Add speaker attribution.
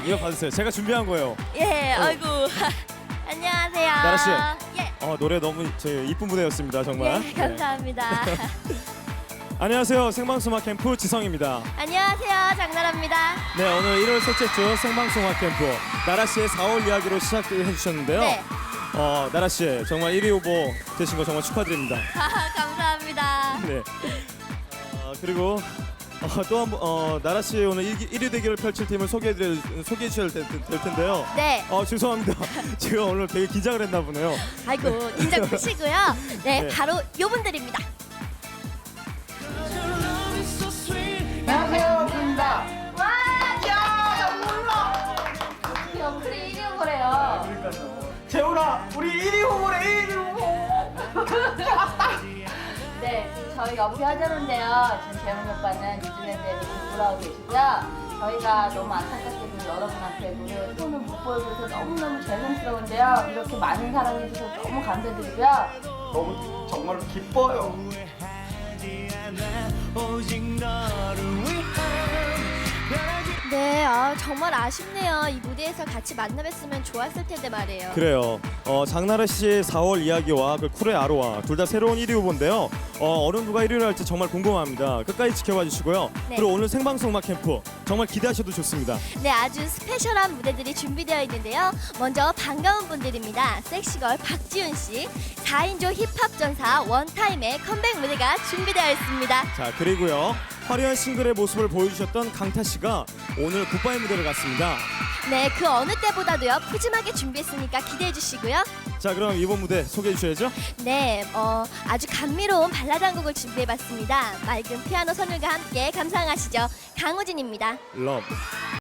Speaker 1: 이거 받으세요. 제가 준비한 거예요.
Speaker 2: 예, 아이고. 안녕하세요.
Speaker 1: 나라 씨.
Speaker 2: 예.
Speaker 1: 노래 너무 이쁜 무대였습니다. 정말.
Speaker 2: 예, 감사합니다.
Speaker 1: 안녕하세요. 생방송 음악 캠프 지성입니다.
Speaker 2: 안녕하세요. 장나라입니다.
Speaker 1: 네, 오늘 1월 셋째 주 생방송 음악 캠프 나라 씨의 4월 이야기로 시작해 주셨는데요.
Speaker 2: 네.
Speaker 1: 나라 씨 정말 1위 후보 되신 거 정말 축하드립니다.
Speaker 2: 감사합니다.
Speaker 1: 네. 그리고 또 한 번 나라 씨 오늘 1위 대결을 펼칠 팀을 소개해 주셔야 될 텐데요.
Speaker 2: 네.
Speaker 1: 죄송합니다. 제가 오늘 되게 긴장을 했나 보네요.
Speaker 2: 아이고, 긴장 푸시고요. 네,
Speaker 1: 네.
Speaker 2: 바로 요분들입니다.
Speaker 3: 안녕하세요, 부입니다.
Speaker 2: 와,
Speaker 3: 야, 몰라.
Speaker 2: 영클이 1위 후보래요.
Speaker 3: 재훈아, 우리 1위 후보래, 1위 후보.
Speaker 4: 네, 저희 연피 하자는데요. 지금 재훈 오빠는 뉴질랜드에서 공부를 하고 계시고요. 저희가 너무 안타깝게도 여러분한테 노래 손을 못 보여줘서 너무너무 죄송스러운데요. 이렇게 많은 사랑해주셔서 너무 감사드리고요.
Speaker 3: 너무 정말로 기뻐요.
Speaker 2: 네, 정말 아쉽네요. 이 무대에서 같이 만나뵀으면 좋았을 텐데 말이에요.
Speaker 1: 그래요. 장나라 씨의 4월 이야기와 그 쿨의 아로하 둘 다 새로운 1위 후보인데요. 어느 누가 1위를 할지 정말 궁금합니다. 끝까지 지켜봐 주시고요.
Speaker 2: 네.
Speaker 1: 그리고 오늘 생방송 음악 캠프 정말 기대하셔도 좋습니다.
Speaker 2: 네, 아주 스페셜한 무대들이 준비되어 있는데요. 먼저 반가운 분들입니다. 섹시걸 박지훈 씨, 4인조 힙합 전사 원타임의 컴백 무대가 준비되어 있습니다.
Speaker 1: 자, 그리고요. 화려한 싱글의 모습을 보여주셨던 강타 씨가 오늘 굿바이 무대를 갔습니다.
Speaker 2: 네, 그 어느 때보다도요 푸짐하게 준비했으니까 기대해 주시고요.
Speaker 1: 자, 그럼 이번 무대 소개해 주셔야죠.
Speaker 2: 네, 아주 감미로운 발라드 한 곡을 준비해봤습니다. 맑은 피아노 선율과 함께 감상하시죠. 강우진입니다.
Speaker 1: 러브.